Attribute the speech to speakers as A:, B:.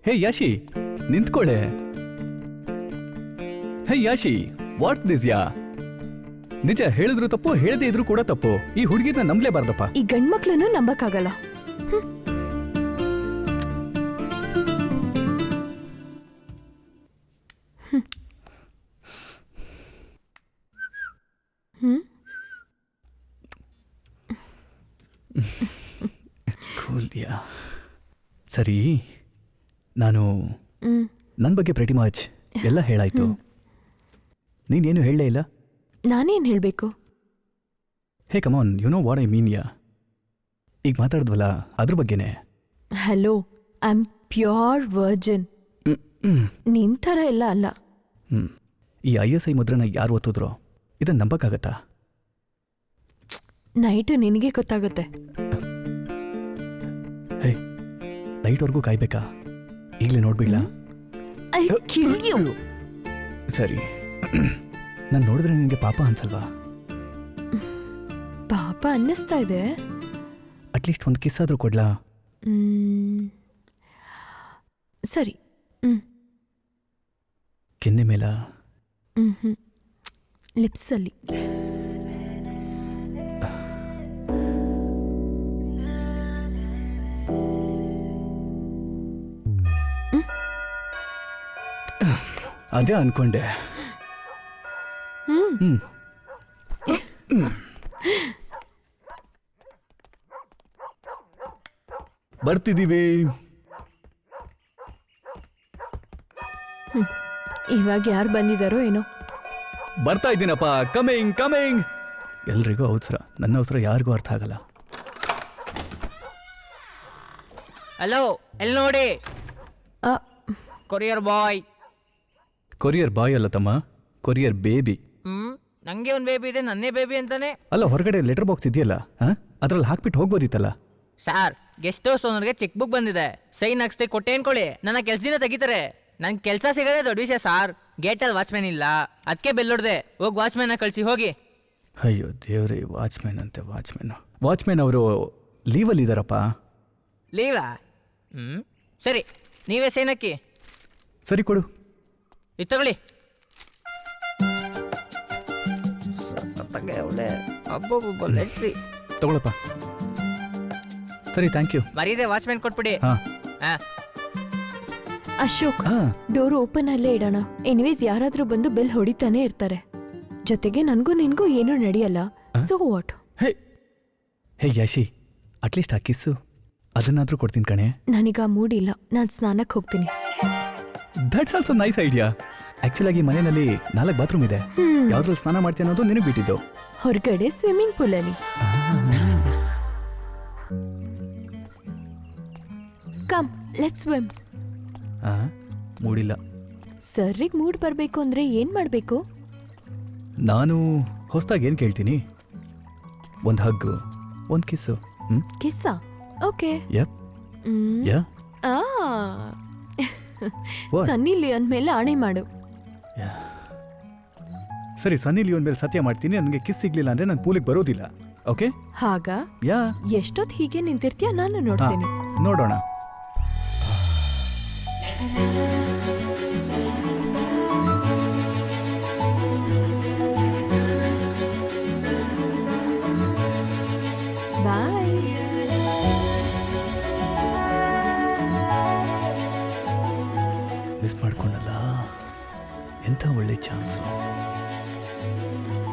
A: Hey ಯಾಶಿ ನಿಂತ್ಕೊಳ್ಳೆ. Hey ಯಾಶಿ, what's this ಯಾ? ನಿಜ ಹೇಳಿದ್ರು ತಪ್ಪು, ಹೇಳದೇ ಇದ್ರು ಕೂಡ ತಪ್ಪು. ಈ ಹುಡುಗಿನ ನಂಬಲೇಬಾರ್ದಪ್ಪ.
B: ಈ ಗಂಡ್ಮಕ್ಳನ್ನು ನಂಬಕ್ಕಾಗಲ್ಲ.
A: ಕೂಲ್ಯಾ. ಸರಿ, ನಾನು ನನ್ನ ಬಗ್ಗೆ ಪ್ರೆಟಿ ಮಚ್ ಎಲ್ಲ ಹೇಳಾಯ್ತು. ನೀನೇನು ಹೇಳಲೇ ಇಲ್ಲ.
B: ನಾನೇನ್ ಹೇಳ್ಬೇಕು?
A: Hey come on, you know what I mean yeah. ಈಗ ಮಾತಾಡಿದ್ವಲ್ಲ ಅದ್ರ ಬಗ್ಗೆನೆ.
B: Hello, I am pure virgin. ನಿನ್ ಥರ ಎಲ್ಲ ಅಲ್ಲ.
A: ಈ ISI ಮುದ್ರನ ಯಾರು ಒತ್ತಿದ್ರೋ ಇದನ್ನ ನಂಬಕ್ಕಾಗತ್ತಾ?
B: ನೈಟು ನಿನಗೆ ಗೊತ್ತಾಗುತ್ತೆ.
A: ಹೇ, ನೈಟ್ವರೆಗೂ ಕಾಯ್ಬೇಕಾ? ಈಗಲೇ ನೋಡ್ಬಿಡ್ಲಾ? ಸರಿ, ನಾನು ನೋಡಿದ್ರೆ ನಿನಗೆ ಪಾಪ ಅನ್ಸಲ್ವಾ?
B: ಪಾಪ ಅನ್ನಿಸ್ತಾ ಇದೆ.
A: ಅಟ್ಲೀಸ್ಟ್ ಒಂದು ಕಿಸ್ ಆದ್ರೂ ಕೊಡ್ಲಾ?
B: ಸರಿ.
A: ಕೆನ್ನೆ ಮೇಲ?
B: ಲಿಪ್ಸಲ್ಲಿ.
A: ಅದೇ ಅನ್ಕೊಂಡೆ. ಬರ್ತಿದೀವಿ.
B: ಇವಾಗ ಯಾರು ಬಂದಿದಾರೋ ಏನೋ.
A: ಬರ್ತಾ ಇದ್ದೀನಪ್ಪ. Coming coming. ಎಲ್ರಿಗೂ ಅವಸರ, ನನ್ನ ಅವಸರ ಯಾರಿಗೂ ಅರ್ಥ ಆಗಲ್ಲ.
C: ಹಲೋ, ಎಲ್ಲಿ ನೋಡಿ. ಕೊರಿಯರ್ ಬಾಯ್.
A: ಕೊರಿಯರ್ ಬಾಯ್ ಅಲ್ಲ ತಮ್ಮ, ಕೊರಿಯರ್ ಬೇಬಿ.
C: ನಂಗೆ ಒಂದು ಬೇಬಿ ಇದೆ, ನನ್ನೇ ಬೇಬಿ ಅಂತಾನೆ.
A: ಅಲ್ಲ, ಹೊರಗಡೆ ಲೆಟರ್ ಬಾಕ್ಸ್ ಇದೆಯಲ್ಲ, ಅದ್ರಲ್ಲಿ ಹಾಕ್ಬಿಟ್ಟು ಹೋಗ್ಬೋದಿತ್ತಲ್ಲ.
C: ಸಾರ್, ಗೆಸ್ಟ್ ಹೌಸ್ ಓನರ್ಗೆ ಚೆಕ್ ಬುಕ್ ಬಂದಿದೆ, ಸೈನ್ ಹಾಕ್ಸ್ತೆ ಕೊಟ್ಟೆ ಅನ್ಕೊಳ್ಳಿ, ನನ್ನ ಕೆಲ್ಸದಿಂದ ತೆಗಿತಾರೆ. ನನ್ ಕೆಲಸ ಸಿಗದೆ ದೊಡ್ಡ ವಿಷಯ ಸಾರ್. ಗೇಟಲ್ಲಿ ವಾಚ್ಮ್ಯಾನ್ ಇಲ್ಲ, ಅದಕ್ಕೆ ಬೆಲ್ ಹೊಡ್ದೆ. ಹೋಗಿ ವಾಚ್ಮ್ಯಾನ ಕಳಿಸಿ ಹೋಗಿ.
A: ಅಯ್ಯೋ ದೇವ್ರಿ, ವಾಚ್ಮ್ಯಾನ್ ಅಂತೆ ವಾಚ್ಮ್ಯಾನ್. ವಾಚ್ಮ್ಯಾನ್ ಅವರು ಲೀವಲ್ಲಿ ಇದ್ದಾರಪ್ಪ.
C: ಲೀವಾ? ಸರಿ, ನೀವೇ ಸೈನ್ ಹಾಕಿ.
A: ಸರಿ, ಕೊಡು.
C: ಇದು ತಗೊಳ್ಳಿ.
A: ತಗೊಳಪ್ಪ. ಸರಿ, ಥ್ಯಾಂಕ್ ಯು.
C: ಮರೀದೆ ವಾಚ್ಮ್ಯಾನ್ ಕೊಟ್ಬಿಡಿ.
B: ಅಶೋಕ್, ಡೋರ್ ಓಪನ್ ಅಲ್ಲೇ ಇಡೋಣ. ಎನಿವೇಸ್ ಯಾರಾದ್ರೂ ಬಂದು ಬೆಲ್ ಹೊಡಿತಾನೆ ಇರ್ತಾರೆ. ಜೊತೆಗೆ ನನ್ಗೂ ನಿನ್ಗೂ ಏನೂ ನಡೆಯಲ್ಲ. So what?
A: Hey Yashi, at least ಆ ಕಿಸ್ಸು ಅದನ್ನಾದ್ರೂ ಕೊಡ್ತೀನಿ ಕಣೆ.
B: ನನಗ ಮೂಡ್ ಇಲ್ಲ, ನಾನು ಸ್ನಾನಕ್ಕೆ ಹೋಗ್ತೀನಿ.
A: That's also nice idea. Actual ಆಗಿ ಮನೆಯಲ್ಲಿ 4 ಬಾತ್ರೂಮ್ ಇದೆ. ಯಾವ್ದ್ರಲ್ಲಿ ಸ್ನಾನ ಮಾಡ್ತೀನಿ ಅನ್ನೋದು ನಿನಗೆ ಬಿಟ್ಟಿದ್ದು.
B: ಹೊರಗಡೆ ಸ್ವಿಮ್ಮಿಂಗ್ ಪೂಲ್ ಅಲ್ಲಿ. Come, let's swim.
A: ಮೂಡಿಲ್ಲ.
B: ಸರ್ರಿಗೆ ಮೂಡ್ ಬರ್ಬೇಕು ಅಂದ್ರೆ ಏನ್ ಮಾಡ್ಬೇಕು?
A: ನಾನು ಹೊಸದಾಗಿ ಏನ್ ಕೇಳ್ತೀನಿ? ಒಂದು ಹಗ್ಗು, ಒಂದು ಕಿಸ್ಸು.
B: ಕಿಸ್ಸಾ? Okay.
A: Yup. Yeah.
B: Sunny Leone ಮೇಲೆ ಆಣೆ ಮಾಡು.
A: ಸರಿ, ಸನ್ನಿ ಲಿಯೋನ್ ಮೇಲೆ ಸತ್ಯ ಮಾಡ್ತೀನಿ, ನನಗೆ ಕಿಸ್ ಸಿಗ್ಲಿಲ್ಲ ಅಂದ್ರೆ ನಾನು ಪೂಲಿಗೆ ಬರೋದಿಲ್ಲ. ಓಕೆ?
B: ಹಾಗ?
A: ಯಾ.
B: ಎಷ್ಟೊತ್ತು ಹೀಗೆ ನಿಂತಿರ್ತೀಯ, ನಾನು ನೋಡ್ತೀನಿ.
A: ನೋಡೋಣ.
B: ಬಾಯ್.
A: ಮಿಸ್ ಮಾಡ್ಕೊಂಡಲ್ಲ, ಎಂಥ ಒಳ್ಳೆ ಚಾನ್ಸು.